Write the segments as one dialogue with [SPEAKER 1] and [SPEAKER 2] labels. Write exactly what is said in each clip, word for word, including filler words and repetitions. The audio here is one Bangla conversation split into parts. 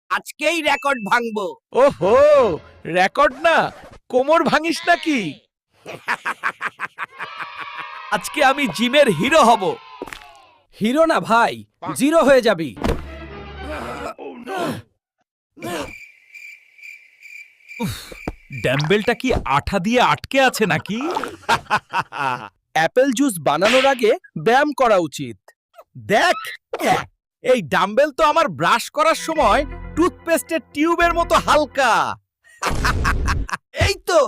[SPEAKER 1] আজকেই রেকর্ড ভাঙবো।
[SPEAKER 2] ওহো, রেকর্ড না, কোমর ভাঙিস নাকি? আজকে আমি জিমের হিরো হব।
[SPEAKER 1] হিরো না ভাই, জিরো হয়ে যাবি।
[SPEAKER 2] ড্যাম্বেলটা কি আঠা দিয়ে আটকে আছে নাকি?
[SPEAKER 1] অ্যাপেল জুস বানানোর আগে ব্যায়াম করা উচিত।
[SPEAKER 2] দেখ, এই ডাম্বেল তো আমার ব্রাশ করার সময় টুথপেস্টের টিউবের মতো হালকা।
[SPEAKER 1] এই তো।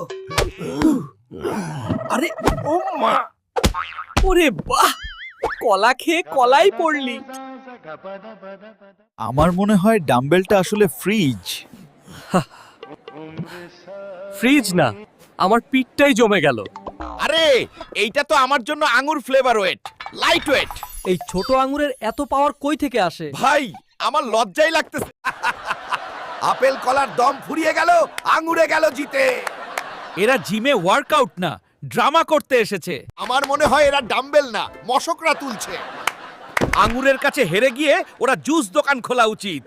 [SPEAKER 1] আরে ও মা, ওরে বাহ, কলা খেয়ে কলাই পড়লি।
[SPEAKER 2] আমার মনে হয় ডাম্বেলটা আসলে ফ্রিজ।
[SPEAKER 1] ফ্রিজ না, আমার পিঠটাই জমে গেল।
[SPEAKER 2] আরে, এইটা তো আমার জন্য আঙ্গুর ফ্লেভার ওয়েট, লাইট ওয়েট।
[SPEAKER 1] এই ছোট আঙ্গুরের এত পাওয়ার কই থেকে আসে?
[SPEAKER 2] ভাই, আমার লজ্জাই লাগতেছে। আপেল কলার দম ফুরিয়ে গেল, আঙ্গুরে গেল জিতে। এরা জিমে ওয়ার্কআউট না, ড্রামা করতে এসেছে। আমার মনে হয় এরা ডাম্বেল না, মশকরা তুলছে। আঙ্গুরের কাছে হেরে গিয়ে ওরা জুস দোকান খোলা উচিত।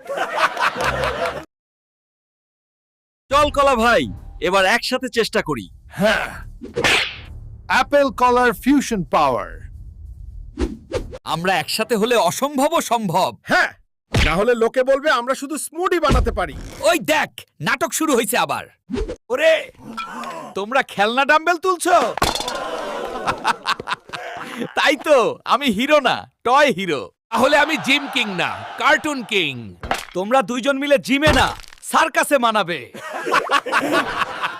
[SPEAKER 2] চল কলা ভাই, এবার একসাথে চেষ্টা করি।
[SPEAKER 3] হ্যাঁ, অ্যাপেল কলার ফিউশন পাওয়ার।
[SPEAKER 2] আমরা একসাথে হলে অসম্ভব সম্ভব।
[SPEAKER 3] হ্যাঁ, না হলে লোকে বলবে আমরা শুধু স্মুদি বানাতে পারি।
[SPEAKER 2] ওই দেখ, নাটক শুরু হয়েছে আবার। ওরে, তোমরা খেলনা ডাম্বেল তুলছো? তাই তো, আমি হিরো না, টয় হিরো। তাহলে আমি জিম কিং না, কার্টুন কিং। তোমরা দুইজন মিলে জিমে না, সার্কাসে মানাবে।